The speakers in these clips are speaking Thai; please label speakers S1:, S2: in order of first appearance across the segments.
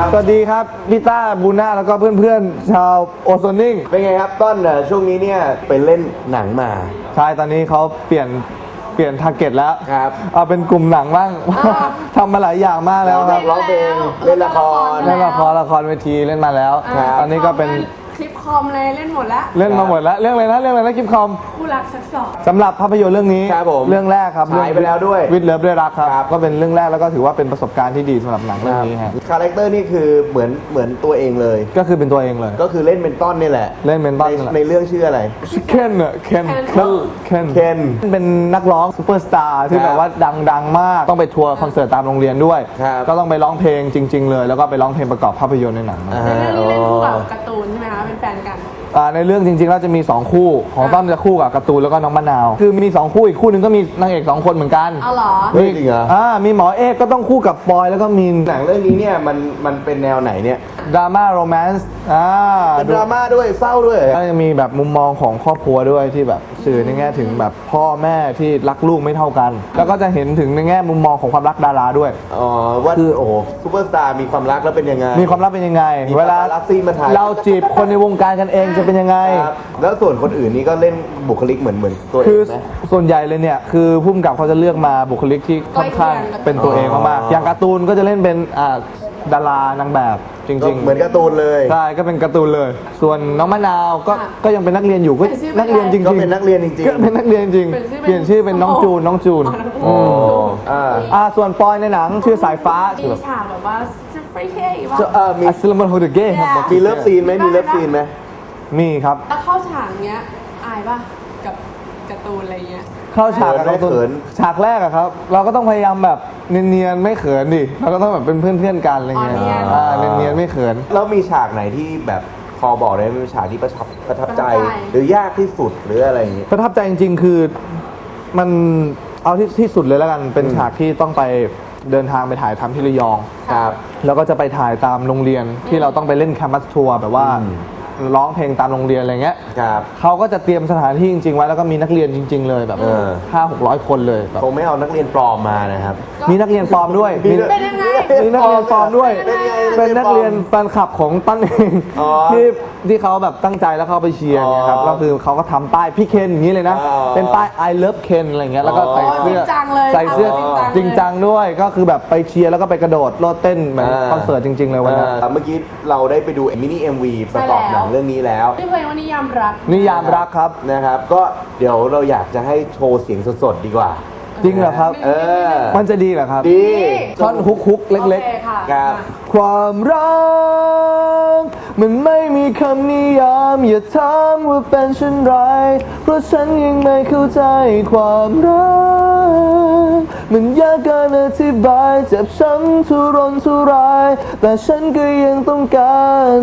S1: สวัสดีครับพี่ต้าบูน่าแล้วก็เพื่อนๆชาวโอโซนิ่ง
S2: เป็นไงครับต้นช่วงนี้เนี่ยไปเล่นหนังมา
S1: ใช่ตอนนี้เขาเปลี่ยนทาร์เก็ตแล้ว
S2: ครับ
S1: เอาเป็นกลุ่มหนังบ้างทำมาหลายอย่างมากแล้วครับ
S2: ร้องเพลงเล่นละคร
S1: ละครเวทีเล่นมาแล้วตอนนี้ก็เป็น
S3: คลิปคอมเลยเล่นหมดแล้ว
S1: เล่นมาหมดแล้วเรื่องอะไรนะคลิปคอม
S3: คู่รักซักสอบ
S1: สำหรับภาพยนตร์เรื่องนี้เรื่องแรกครับ
S2: ฉายไปแล้วด้วย
S1: วิดเลิฟด้วยรักครับก็เป็นเรื่องแรกแล้วก็ถือว่าเป็นประสบการณ์ที่ดีสำหรับหนังเรื่องนี้ฮะ
S2: คาแรคเตอร์นี่คือเหมือนตัวเองเลย
S1: ก็คือเป็นตัวเองเลย
S2: ก็คือเล่นเป็นต้นนี่แหละ
S1: เล่นเป็นต้น
S2: ในเรื่องชื่ออะไร
S1: เคนเป็นนักร้องซูเปอร์สตาร์ที่แบบว่าดังมากต้องไปทัวร์คอนเสิร์ตตามโรงเรียนด้วยก็ต้องไปร้องเพลงจริงๆเลยแล้วก็ไปร้องเพลงประกอบภาพยนตร์ในหนัง
S3: ในเรื่องนี้เล่นคู่กับการ์ตูนใช่ไหมคะเป็นแฟนกัน
S1: ในเรื่องจริงๆแล้วจะมี2คู่ของต้นจะคู่กับการ์ตูนแล้วก็น้องมะนาวคือมี2คู่อีกคู่หนึ่งก็มีนางเอก2คนเหมือนกัน
S3: เอาเหรอ
S2: จริงเหรอ
S1: มีหมอเอกก็ต้องคู่กับปอยแล้วก็มีน
S2: หนังเรื่องนี้เนี่ยมันเป็นแนวไหนเนี่ย
S1: ดราม่าโรแมนต์
S2: เป็นดราม่าด้วยเศร้าด้วย
S1: ก็จะมีแบบมุมมองของครอบครัวด้วยที่แบบสื่อในแง่ถึงแบบพ่อแม่ที่รักลูกไม่เท่ากันแล้วก็จะเห็นถึงในแง่มุมมองของความรักดาราด้วย
S2: ว่าคือโอ้โหซูเปอร์สตาร์มีความรักแล้วเป็นยังไง
S1: มีความรักเป็นยังไงเวลาเราจีบคนในวงการกันเองจะเป็นยังไง
S2: แล้วส่วนคนอื่นนี่ก็เล่นบุคลิกเหมือนตัวเอง
S1: คือส่วนใหญ่เลยเนี่ยคือผู้กำกับเขาจะเลือกมาบุคลิกที่ค่อนข้างเป็นตัวเองมากๆอย่างการ์ตูนก็จะเล่นเป็นดารานางแบบจริงๆ
S2: เหมือนการ์ตูนเลย
S1: ใช่ก็เป็นการ์ตูนเลยส่วนน้องมะนาวก็ยังเป็นนักเรียนอยู่ก็นักเรียนจริงๆ
S2: ก็เป็นนักเรียนจริงๆ
S1: ก็เป็นนักเรียนจริงเปลี่ยนชื่อเป็นน้องจูนส่วนปอยในหนังชื่อสายฟ้า
S3: มีฉากแบบว่าจะไปเท่
S1: มีอัสลามันโฮเดเก้ครับ
S2: มีเลิฟซีนไหม
S1: มีครับ
S3: แล้วเข้าฉากเนี้ยอายป่ะกับการ์ตูนอะไรเงี้ย
S1: เข้าฉากกับตัวฉากแรกอะครับเราก็ต้องพยายามแบบเนียนๆไม่เขินดิเราก็ต้องแบบเป็นเพื่อนกันอะไรเงี้ยเนียนๆไม่เขิน
S2: แล้วมีฉากไหนที่แบบพอบอกได้มีฉากที่ประทับใจหรือยากที่สุดหรืออะไรอย่างเงี้ย
S1: ประทับใจจริงๆคือมันเอาที่สุดเลยแล้วกันเป็นฉากที่ต้องไปเดินทางไปถ่ายทำที่ระยอง
S2: ครับ
S1: แล้วก็จะไปถ่ายตามโรงเรียนที่เราต้องไปเล่นแคมปัสทัวร์แบบว่าร้องเพลงตามโรงเรียนอะไรเงี้ยเขาก็จะเตรียมสถานที่จริงๆไว้แล้วก็มีนักเรียนจริงๆเลยแบบ500-600 คนเลย
S2: คงไม่เอานักเรียนปลอมมานะครับ
S1: มีนักเรียนปลอมด้วยมีนักเรียนปลอมด้วยเป็นนักเรียนแฟนคลับของตั้นเองที่เขาแบบตั้งใจแล้วเขาไปเชียร์เนี่ยครับก็คือเขาก็ทำป้ายพี่เคนอย่างนี้เลยนะเป็นป้าย I love Ken อะไรเงี้ยแล้วก็ใส่เสื้อจริงจังด้วยก็คือแบบไปเชียร์แล้วก็ไปกระโดดโลดเต้นเหมือนคอนเสิร์ตจริงๆเลยวันนั้น
S2: เมื่อกี้เราได้ไปดูมินิ MV ประกอบหนังเรื่องนี้แล้ว
S3: ที่เพลงว่านิยาม
S1: รักครับ
S2: นะครับก็เดี๋ยวเราอยากจะให้โชว์เสียงสดๆดีกว่า
S1: จริงเหรอครับมันจะดีเหรอครับ
S2: ดี
S1: ท่อนฮุกเล็ก
S2: ๆครับ
S1: ความรักมันไม่มีคำนิยามอย่าถามว่าเป็นเช่นไรเพราะฉันยังไม่เข้าใจความรักมันยากเกินอธิบายเจ็บช้ำทุรนทุรายแต่ฉันก็ยังต้องการ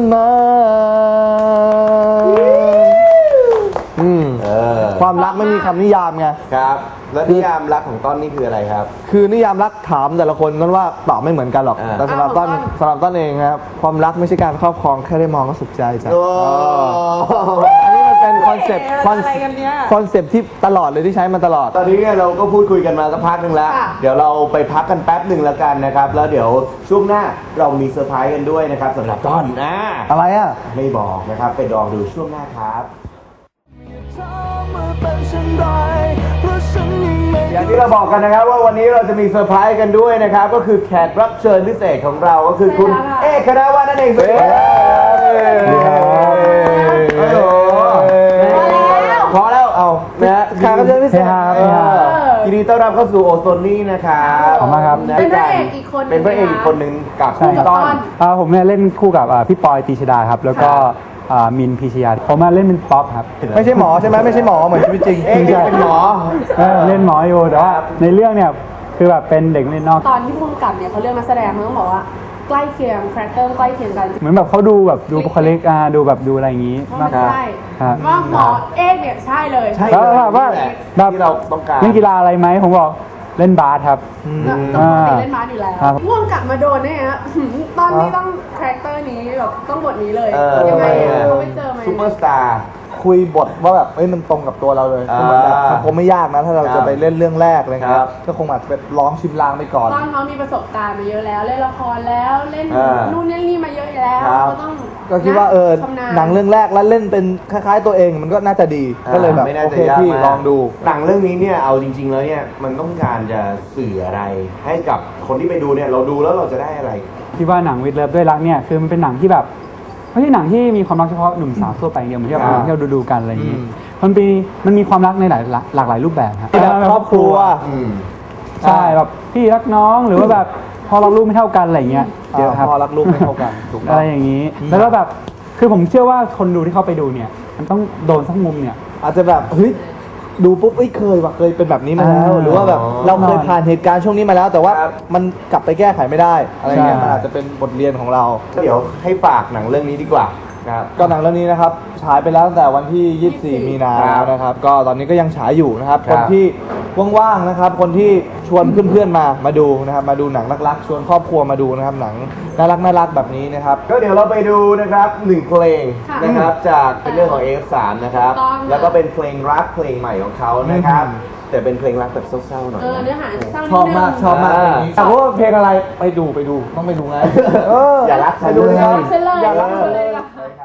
S1: ความรักไม่มีคำนิยามไง
S2: ครับแล้วนิยามรักของต้นนี่คืออะไรครับ
S1: คือนิยามรักถามแต่ละคนนั้นว่าตอบไม่เหมือนกันหรอกแต่สำหรับต้นเองครับความรักไม่ใช่การครอบครองแค่ได้มองก็สุขใจจ้ะอันนี้มันเป็นคอนเซ็ปต์ที่ตลอดเลยที่ใช้มาตลอด
S2: ตอนนี้เราก็พูดคุยกันมาสักพักนึงแล้วเดี๋ยวเราไปพักกันแป๊บหนึ่งแล้วกันนะครับแล้วเดี๋ยวช่วงหน้าเรามีเซอร์ไพรส์กันด้วยนะครับสำหรับต้น
S1: อะไรอ่ะ
S2: ไม่บอกนะครับไปลองดูช่วงหน้าครับอย่างที่เราบอกกันนะครับว่าวันนี้เราจะมีเซอร์ไพรส์กันด้วยนะครับก็คือแขกรับเชิญพิเศษของเราก็คือคุณเอกคณวัฒน์นั่นเองสวัสดีครับพอแล้วเอานะแขกรับเชิญพิเศษยินดีต้อนรับเข้าสู่โอโซนี่นะครับ
S1: ขอบคุณครับ
S3: เป็นพระเอกอีก
S2: คนหนึ่งกับคุณต้น
S4: ผมเนี่ยเล่นคู่กับพี่ปอยตีชดาครับแล้วก็มินพิชยาผมมาเล่นเป็นป๊อปครับ
S1: ไม่ใช่หมอใช่ไหมไม่ใช่หมอเหมือนชีวิตจริง
S2: เป็นหมอ
S4: เล่นหมออยู่แต่ว่าในเรื่องเนี่ยคือแบบเป็นเด็กเล่นนอก
S3: ตอนที่พุ่งกลับเนี่ยเขาเลือกนักแสดงเขาต้องบอกว่าใกล้เคียงคาแรคเตอร์ใกล้เคียงกัน
S4: เหมือนแบบเขาดูแบบดูบุคลิกดูแบบดูอะไรอย่างนี้
S3: มากใช่ว่าหมอเอกเนี่ยใช่เลย
S4: แล้วแบบว่าแบบ
S2: ที่เราต้องการ
S4: เล่นกีฬาอะไรไหมผมบอกเล่นบาสครับ
S3: เล่นบาสอยู่แล้วพ่วงกลับมาโดนเนี่ยฮะตอนนี้ต้องคาแรคเตอร์นี้แบบต้องบทนี้เลยยังไงเขาไปเจอไหม
S2: ซูเปอร์สตาร์
S1: คุยบทว่าแบบเอ้ยมันตรงกับตัวเราเลยคือเหมือนแบบมันคงไม่ยากนะถ้าเราจะไปเล่นเรื่องแรกอะไรเงี้ยก็คงอาจจะไปร้องชิมลางไปก่อน
S3: ตอนเขามีประสบการณ์มาเยอะแล้วเล่นละครแล้วเล่นนู่นเล่นนี่มาเยอะแล้วก็ต้อง
S1: ก็คิดว่า
S3: ชำนาญ
S1: หนังเรื่องแรกแล้วเล่นเป็นคล้ายๆตัวเองมันก็น่าจะดีก็เลยแบบ
S2: ไม่น่า
S1: โอ
S2: จะ
S1: เค
S2: ยาก
S1: พี่
S2: มาก
S1: ลองดู
S2: หนังเรื่องนี้เนี่ยเอาจริง ๆ แล้วเนี่ยมันต้องการจะสื่ออะไร ให้กับคนที่ไปดูเนี่ยเราดูแล้วเราจะได้อะไร
S4: ที่ว่าหนังวิดเลิฟด้วยรักเนี่ยคือมันเป็นหนังที่แบบไม่ใช่หนังที่มีความรักเฉพาะหนุ่มสาวทั่วไปอย่างเดียวเหมือนที่เราที่เราดูกันอะไรอย่างนี้มันมีความรักในหลากหลายรูปแบบครับ
S1: แบบครอบครัว
S4: ใช่แบบพี่รักน้องหรือว่าแบบพอรักลูกไม่เท่ากันอะไรอย่างเงี้ยเยอะครับ
S1: พอรักลูกไม่เท่ากันถูกต้
S4: อะ
S1: อง
S4: ไรอย่างนี้แล้วก็แบบคือผมเชื่อว่าคนดูที่เข้าไปดูเนี่ยมันต้องโดนสักมุมเนี่ย
S1: อาจจะแบบเฮ้ยดูปุ๊บเอ้ยเคยว่ะเคยเป็นแบบนี้มาแล้ว หรือว่าแบบเราเคยผ่านเหตุการณ์ช่วงนี้มาแล้ว แต่ว่ามันกลับไปแก้ไขไม่ได้อะไรเงี้ย
S4: ใช่
S1: มันอาจจะเป็นบทเรียนของเรา
S2: เดี๋ยวให้ฝากหนังเรื่องนี้ดีกว่าครับ
S1: ก็หนังเรื่องนี้นะครับฉายไปแล้วตั้งแต่วันที่ 24 มีนาแล้วนะครับก็ตอนนี้ก็ยังฉายอยู่นะครับ
S2: ครั
S1: ค
S2: บ
S1: นที่ว่างๆนะครับคนที่ชวนเพื่อนๆมาดูนะครับมาดูหนังรักๆชวนครอบครัวมาดูนะครับหนังน่ารักแบบนี้นะครับ
S2: ก็เดี๋ยวเราไปดูนะครับหนึ่งเพลง
S3: ค่ะ
S2: นะครับจากเป็นเรื่องของ F3 นะครับ
S3: ถูกต้องค่ะ
S2: แล้วก็เป็นเพลงรักเพลงใหม่ของเขานะครับ แต่เป็นเพลงรักแบบเศร้าๆหน่อย
S3: เนื้อหาเศร้านิดนึง
S1: ชอบมากเพลงนี้แต่ว่าเพลงอะไรไปดูต้องไปดูไง
S2: อย่ารักฉัน
S1: ไปดู
S2: เลย
S1: นะ
S3: เฉลย
S1: อย่ารัก
S3: เฉลย
S2: ใช่ครับ